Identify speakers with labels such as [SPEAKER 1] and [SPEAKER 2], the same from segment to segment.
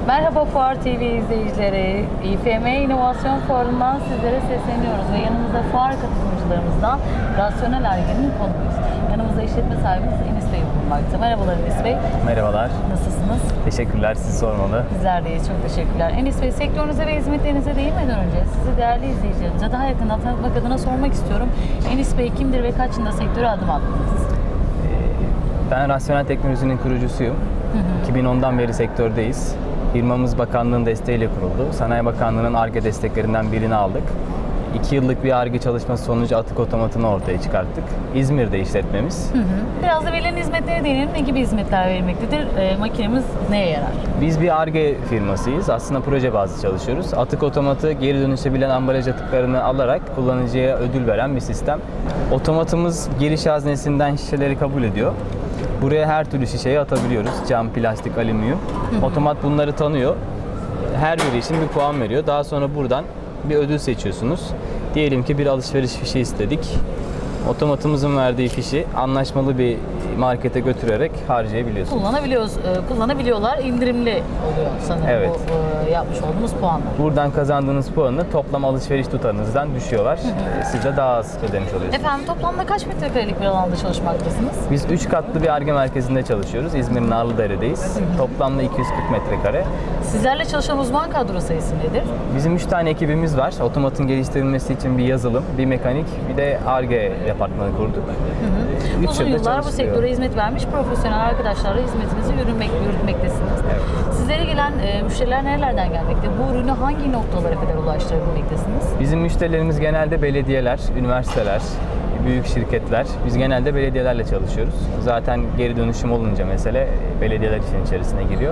[SPEAKER 1] Merhaba Fuar TV izleyicileri. İFM İnovasyon Fuarı'ndan sizlere sesleniyoruz ve yanımızda fuar katılımcılarımızdan Rasyonel Ar-Ge'nin konuyuz. Yanımızda işletme sahibimiz Enis Bey bulunmakta. Merhabalar Enis Bey.
[SPEAKER 2] Merhabalar.
[SPEAKER 1] Nasılsınız?
[SPEAKER 2] Teşekkürler, sizi sormalı.
[SPEAKER 1] Bizler deyiz, çok teşekkürler. Enis Bey, sektörünüze ve hizmetlerinize değinmeden önce sizi değerli izleyicilerimize daha yakından tanıtmak adına sormak istiyorum. Enis Bey kimdir ve kaç yılında sektöre adım attınız?
[SPEAKER 2] Ben Rasyonel Teknoloji'nin kurucusuyum. 2010'dan beri sektördeyiz. Firmamız bakanlığın desteğiyle kuruldu. Sanayi Bakanlığı'nın Ar-Ge desteklerinden birini aldık. 2 yıllık bir Ar-Ge çalışması sonucu atık otomatını ortaya çıkarttık. İzmir'de işletmemiz.
[SPEAKER 1] Biraz da verilen hizmetlere değinelim. Ne gibi hizmetler verilmektedir? Makinemiz neye yarar?
[SPEAKER 2] Biz bir Ar-Ge firmasıyız. Aslında proje bazlı çalışıyoruz. Atık otomatı geri dönüşebilen ambalaj atıklarını alarak kullanıcıya ödül veren bir sistem. Otomatımız giriş haznesinden şişeleri kabul ediyor. Buraya her türlü şişeyi atabiliyoruz. Cam, plastik, alüminyum. Otomat bunları tanıyor. Her biri için bir puan veriyor. Daha sonra buradan bir ödül seçiyorsunuz. Diyelim ki bir alışveriş fişi istedik. Otomatımızın verdiği fişi anlaşmalı bir markete götürerek harcayabiliyorsunuz.
[SPEAKER 1] Kullanabiliyorlar. İndirimli oluyor sanırım
[SPEAKER 2] Evet.
[SPEAKER 1] bu yapmış olduğumuz puanlar.
[SPEAKER 2] Buradan kazandığınız puanı toplam alışveriş tutarınızdan düşüyorlar. Siz de daha az ödemiş oluyorsunuz.
[SPEAKER 1] Efendim, toplamda kaç metrekarelik bir alanda çalışmaktasınız?
[SPEAKER 2] Biz 3 katlı bir Ar-Ge merkezinde çalışıyoruz. İzmir'in Narlıdere'deyiz. Toplamda 240 metrekare.
[SPEAKER 1] Sizlerle çalışan uzman kadro sayısı nedir?
[SPEAKER 2] Bizim 3 tane ekibimiz var. Otomatın geliştirilmesi için bir yazılım, bir mekanik, bir de Ar-Ge departmanı kurduk.
[SPEAKER 1] Uzun yıllar bu sektöre hizmet vermiş profesyonel arkadaşlarla hizmetinizi yürütmektesiniz.
[SPEAKER 2] Evet.
[SPEAKER 1] Sizlere gelen müşteriler nerelerden gelmekte? Bu ürünü hangi noktalara kadar ulaştırabilmektesiniz?
[SPEAKER 2] Bizim müşterilerimiz genelde belediyeler, üniversiteler, büyük şirketler. Biz genelde belediyelerle çalışıyoruz. Zaten geri dönüşüm olunca mesele belediyeler için içerisine giriyor.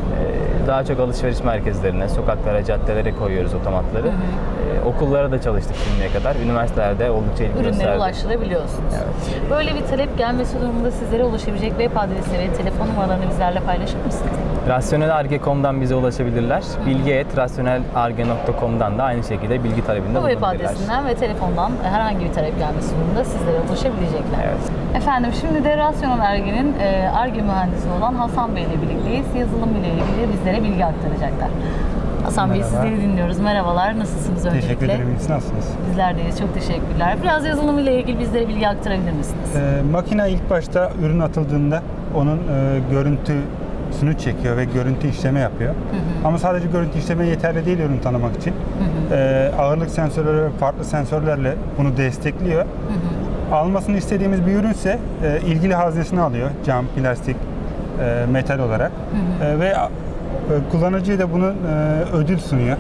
[SPEAKER 2] Daha çok alışveriş merkezlerine, sokaklara, caddelere koyuyoruz otomatları. Okullara da çalıştık şimdiye kadar. Üniversitelerde oldukça ilgi gösterdi.
[SPEAKER 1] Ürünlere ulaştırabiliyorsunuz.
[SPEAKER 2] Evet.
[SPEAKER 1] Böyle bir talep gelmesi durumunda sizlere ulaşabilecek web adresi ve telefon numaralarını bizlerle paylaşır mısınız?
[SPEAKER 2] Rasyonelarge.com'dan bize ulaşabilirler. bilgi@rasyonelarge.com'dan da aynı şekilde bilgi talebinde
[SPEAKER 1] Bu web
[SPEAKER 2] bulunabilirler.
[SPEAKER 1] adresinden ve telefondan herhangi bir talep gelmesi durumunda sizlere ulaşabilecekler.
[SPEAKER 2] Evet.
[SPEAKER 1] Efendim, şimdi de Rasyonel Ar-Ge'nin Ar-Ge mühendisi olan Hasan Bey ile birlikteyiz. Yazılım ile ilgili bizlere bilgi aktaracaklar. Hasan Bey,
[SPEAKER 3] Merhaba.
[SPEAKER 1] sizleri dinliyoruz. Merhabalar, nasılsınız öncelikle?
[SPEAKER 3] Teşekkür ederim. Siz nasılsınız?
[SPEAKER 1] Bizler deyiz, çok teşekkürler. Biraz yazılım ile ilgili bizlere bilgi aktarabilir misiniz?
[SPEAKER 3] Makine ilk başta ürün atıldığında onun görüntüsünü çekiyor ve görüntü işleme yapıyor. Ama sadece görüntü işleme yeterli değil ürün tanımak için. Ağırlık sensörleri ve farklı sensörlerle bunu destekliyor. Almasını istediğimiz bir ürünse ilgili haznesini alıyor. Cam, plastik, metal olarak. Ve kullanıcıya da bunun ödül sunuyor.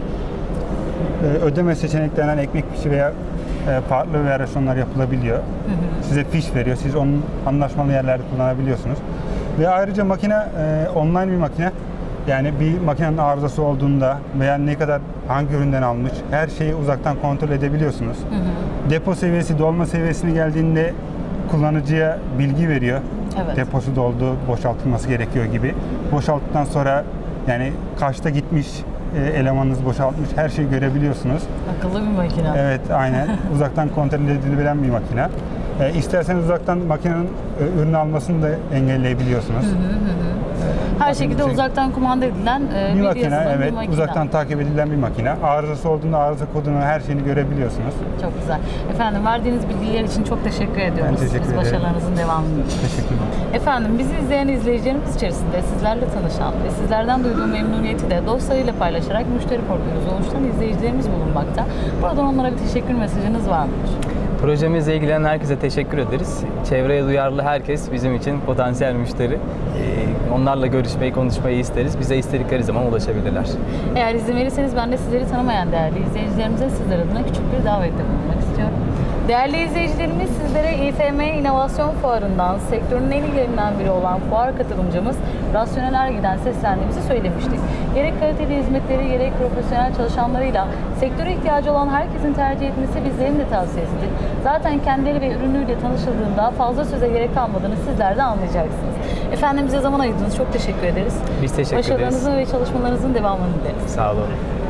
[SPEAKER 3] Ödeme seçeneklerinden ekmek fişi veya farklı versiyonlar yapılabiliyor. Size fiş veriyor. Siz onun anlaşmalı yerlerde kullanabiliyorsunuz. Ve ayrıca makine online bir makine. Yani bir makinenin arızası olduğunda veya ne kadar hangi üründen almış her şeyi uzaktan kontrol edebiliyorsunuz. Depo seviyesi, dolma seviyesine geldiğinde kullanıcıya bilgi veriyor.
[SPEAKER 1] Evet.
[SPEAKER 3] Deposu doldu, boşaltılması gerekiyor gibi. Boşalttıktan sonra yani kaçta gitmiş, elemanınız boşaltmış her şeyi görebiliyorsunuz.
[SPEAKER 1] Akıllı bir makine.
[SPEAKER 3] Evet, aynen. Uzaktan kontrol edilebilen bir makine. İsterseniz uzaktan makinenin ürünü almasını da engelleyebiliyorsunuz.
[SPEAKER 1] Her şekilde uzaktan kumanda edilen
[SPEAKER 3] Bir
[SPEAKER 1] bir
[SPEAKER 3] makine,
[SPEAKER 1] yazılım,
[SPEAKER 3] evet.
[SPEAKER 1] bir makine.
[SPEAKER 3] Uzaktan takip edilen bir makine. Arızası olduğunda arıza kodunu, her şeyini görebiliyorsunuz.
[SPEAKER 1] Çok güzel. Efendim, verdiğiniz bilgiler için çok teşekkür ediyoruz.
[SPEAKER 3] Ben teşekkür ederim.
[SPEAKER 1] Başarılarınızın devamını.
[SPEAKER 3] Teşekkürler.
[SPEAKER 1] Efendim, bizi izleyen izleyicilerimiz içerisinde sizlerle tanışan ve sizlerden duyduğu memnuniyeti de dostlarıyla paylaşarak müşteri portföyünüzü oluşturan izleyicilerimiz bulunmakta. Buradan onlara bir teşekkür mesajınız var mıdır?
[SPEAKER 2] Projemizle ilgilenen herkese teşekkür ederiz. Çevreye duyarlı herkes bizim için potansiyel müşteri. Onlarla görüşmeyi, konuşmayı isteriz. Bize istedikleri zaman ulaşabilirler.
[SPEAKER 1] Eğer izin verirseniz ben de sizleri tanımayan değerli izleyicilerimize sizler adına küçük bir davette bulunmak istiyorum. Değerli izleyicilerimiz, sizlere İFM İnovasyon Fuarı'ndan sektörün en ilgilerinden biri olan fuar katılımcımız Rasyonel Ar-Ge'den seslendiğimizi söylemiştik. Gerek kaliteli hizmetleri gerek profesyonel çalışanlarıyla sektöre ihtiyacı olan herkesin tercih etmesi bizlerin de tavsiyesidir. Zaten kendileri ve ürünüyle tanışıldığında fazla söze gerek kalmadığını sizler de anlayacaksınız. Efendim, bize zaman ayırdınız. Çok teşekkür ederiz.
[SPEAKER 2] Biz teşekkür ederiz.
[SPEAKER 1] Başarılarınızın ve çalışmalarınızın devamını dileriz.
[SPEAKER 2] Sağ olun.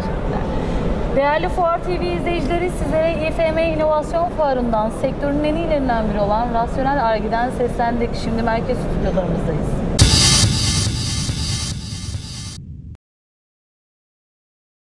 [SPEAKER 1] Değerli Fuar TV izleyicileri, sizlere İFM İnovasyon Fuarı'ndan sektörün en iyilerinden biri olan Rasyonel Ar-Ge'den seslendik. Şimdi merkez stüdyolarımızdayız.